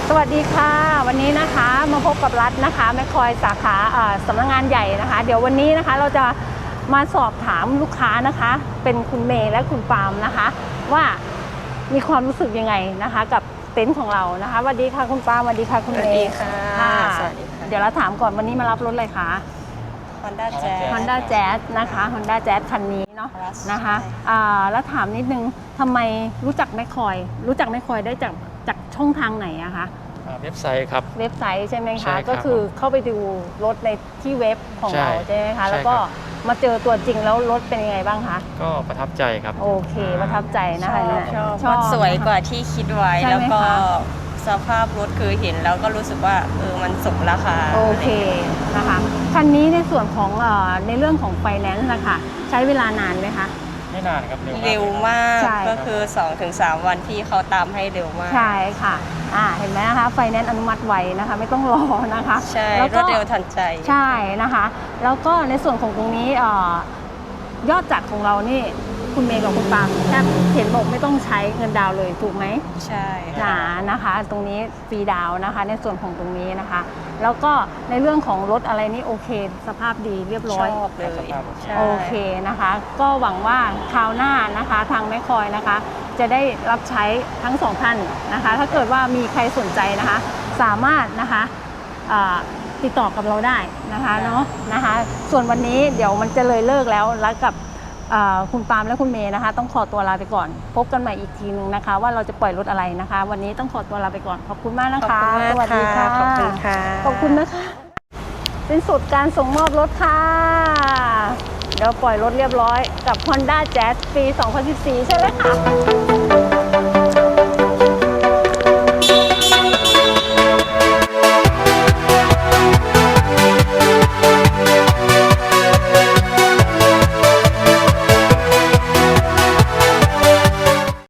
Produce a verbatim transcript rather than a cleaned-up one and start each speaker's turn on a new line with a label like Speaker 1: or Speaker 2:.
Speaker 1: สวัสดีค่ะวันนี้นะคะมาพบกับรัฐนะคะแมคคอยสาขาสำนักงานใหญ่นะคะเดี๋ยววันนี้นะคะเราจะมาสอบถามลูกค้านะคะเป็นคุณเมย์และคุณปาล์มนะคะว่ามีความรู้สึกยังไงนะคะกับเต็นท์ของเรานะคะสวัสดีค่ะคุณปาล์มสวัสดีค่ะคุณเมย์
Speaker 2: สวัสดีค่ะสวัสดีค่ะ
Speaker 1: เดี๋ยวเราถามก่อนวันนี้มารับรถอะไรคะ
Speaker 2: Honda Jazz
Speaker 1: Honda Jazz นะคะ Honda Jazz คันนี้เนาะนะคะแล้วถามนิดนึงทำไมรู้จักแมคคอยรู้จักแมคคอยได้จากจากช่องทางไหนอะคะ
Speaker 3: เว็บไซต์ครับ
Speaker 1: เว็บไซต์ใช่ไหม
Speaker 3: ใช่
Speaker 1: คะ
Speaker 3: ครับ
Speaker 1: ก็คือเข้าไปดูรถในที่เว็บของ
Speaker 3: ใช่
Speaker 1: เราใช่ไหมคะ
Speaker 3: ใช่
Speaker 1: แล้วก็
Speaker 3: ครับ
Speaker 1: มาเจอตัวจริงแล้วรถเป็นยังไงบ้างคะ
Speaker 3: ก็ประทับใจครับ
Speaker 1: โอเคประทับใจนะคะ
Speaker 2: ชอบ
Speaker 1: ชอบ
Speaker 2: สวยกว่าที่คิดไว้
Speaker 1: ใช่
Speaker 2: แล้ว
Speaker 1: ไหม
Speaker 2: ก็
Speaker 1: คะ
Speaker 2: สภาพรถคือเห็นแล้วก็รู้สึกว่าเออมันสมราคา
Speaker 1: โอเคนะคะคันนี้ในส่วนของเอ่อในเรื่องของไฟแนนซ์นะคะใช้เวลานานไหมคะ
Speaker 3: ไม่นานครับ
Speaker 2: เร็วมาก
Speaker 1: ใช่
Speaker 2: ก็คือ สองถึงสาม วันที่เขาตามให้เร็วมาก
Speaker 1: ใช่ค่ะอ่าเห็นไหมนะคะไฟแนนซ์อนุมัติไวนะคะไม่ต้องรอนะคะ
Speaker 2: ใช่
Speaker 1: แล้ว
Speaker 2: ร
Speaker 1: ก็
Speaker 2: วดเร็วทันใจ
Speaker 1: ใช่นะคะแล้วก็ในส่วนของตรงนี้เอ่อยอดจัดของเรานี่คุณเมย์กับคุณปาล์มแทบเห็นบอกไม่ต้องใช้เงินดาวน์เลยถูกไหม
Speaker 2: ใช่
Speaker 1: หนานะคะ ตรงนี้ฟรีดาวน์นะคะ ในส่วนของตรงนี้นะคะ แล้วก็ในเรื่องของรถอะไรนี่โอเค สภาพดีเรียบร้อย
Speaker 2: ชอบเลยใช่
Speaker 1: โอเคนะคะ ก็หวังว่าคราวหน้านะคะทางแมคคอยนะคะ จะได้รับใช้ทั้งสองท่านนะคะ ถ้าเกิดว่ามีใครสนใจนะคะ สามารถนะคะอ่าติดต่อกับเราได้นะคะเนาะนะคะ ส่วนวันนี้เดี๋ยวมันจะเลยเลิกแล้วแล้วกับคุณปาล์มและคุณเมย์นะคะ ต้องขอตัวลาไปก่อน พบกันใหม่อีกทีนึงนะคะ ว่าเราจะปล่อยรถอะไรนะคะ วันนี้ต้องขอตัวลาไปก่อนขอบคุณมากนะคะสวัสดีค่ะ
Speaker 2: ขอบคุณค่ะ
Speaker 1: ขอบคุณนะคะสิ้นสุดการส่งมอบรถค่ะเดี๋ยวปล่อยรถเรียบร้อยกับ Honda Jazz ปี สองพันสิบสี่ ใช่ไหมคะ